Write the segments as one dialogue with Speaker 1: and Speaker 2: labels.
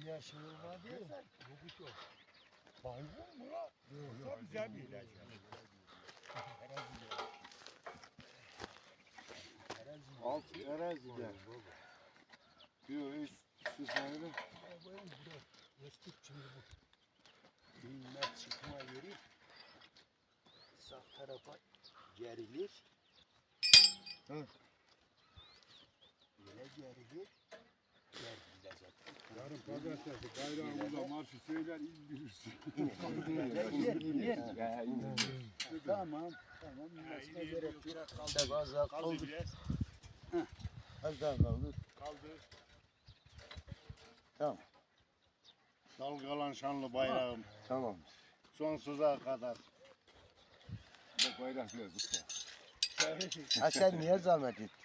Speaker 1: yaşılma değil.
Speaker 2: Yok yok. Baygın mı lan? Yoksa bize mi ilaç?
Speaker 3: Alt terazide. Yok hiç sıfırlı.
Speaker 2: Yastık şimdi bu.
Speaker 1: Dinler çıkma yeri sağ tarafa gerilir.
Speaker 3: Hı.
Speaker 1: Böyle gerilir. Gerilecek.
Speaker 3: Yarın pazartesi bayrağımıza marşı söyler indirirsin.
Speaker 1: Tamam. Tamam. Başka gerek yok. Kaldı. Az daha
Speaker 2: Kaldı
Speaker 1: kaldı.
Speaker 2: biraz.
Speaker 1: Az daha kaldı.
Speaker 2: Kaldı.
Speaker 3: Dalgalan şanlı bayrağım.
Speaker 1: Tamam.
Speaker 3: Sonsuza kadar. Bu bayrak biraz usta.
Speaker 1: Ha sen niye zahmet ettin?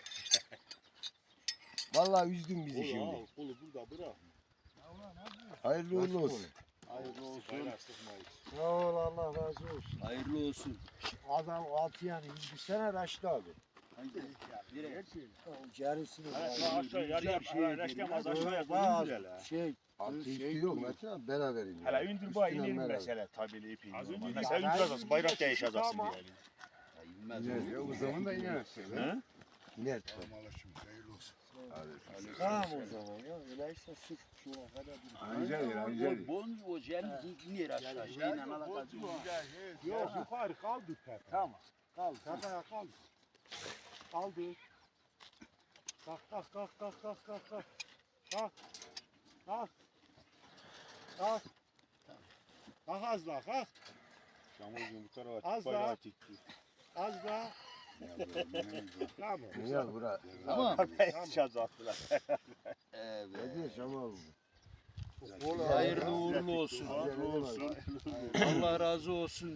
Speaker 1: Vallahi üzdün bizi şimdi.
Speaker 2: Kolu burada bırak.
Speaker 1: Hayırlı uğurlu olsun.
Speaker 3: Hayırlı olsun.
Speaker 2: Bayrak sıkmayız.
Speaker 1: Sağ ol, Allah razı olsun.
Speaker 4: Hayırlı olsun.
Speaker 1: Adam altı yani indirsene Raşit abi. Gerisini
Speaker 2: Aşağı yarıya reştemez aşağıya
Speaker 1: Bak,
Speaker 2: indir hele.
Speaker 1: şey,
Speaker 3: Altı üstü yok Metin abi beraber iniyor.
Speaker 2: Hele indir bu
Speaker 3: Üstüne
Speaker 2: inin
Speaker 3: beraber.
Speaker 2: mesela tabeli ipi.
Speaker 4: Az önce
Speaker 2: Mesela
Speaker 1: ya,
Speaker 2: indireceğiz bayrak değişeceksin
Speaker 1: Tamam.
Speaker 2: diye.
Speaker 4: İnmez.
Speaker 3: İner ya o zaman da iner.
Speaker 2: He?
Speaker 1: iner.
Speaker 3: Allah'ım hayırlı olsun.
Speaker 1: Tamam o zaman ya. Öyleyse sık şuna kadar bir.
Speaker 3: Anca yer anca yer.
Speaker 4: Bon o yer iner aşağı. Şeyle alakası yok.
Speaker 2: Yok yukarı kaldı tepe.
Speaker 1: Tamam.
Speaker 2: Kaldı. Tepeye kaldı. Kaldı. Kalk kalk kalk kalk kalk kalk kalk. Kalk. Kalk. Kalk. Kalk az daha kalk.
Speaker 3: Şamurcuğum bu tarafa
Speaker 2: Az
Speaker 3: bayrağı
Speaker 2: daha.
Speaker 3: tikti.
Speaker 2: Az daha. Tamam.
Speaker 1: Güzel bura.
Speaker 4: Tamam.
Speaker 2: Şaz attılar.
Speaker 4: Evet.
Speaker 1: Ne diyor Şamal?
Speaker 4: Hayırlı uğurlu olsun.
Speaker 1: Hayırlı olsun.
Speaker 4: Allah razı olsun.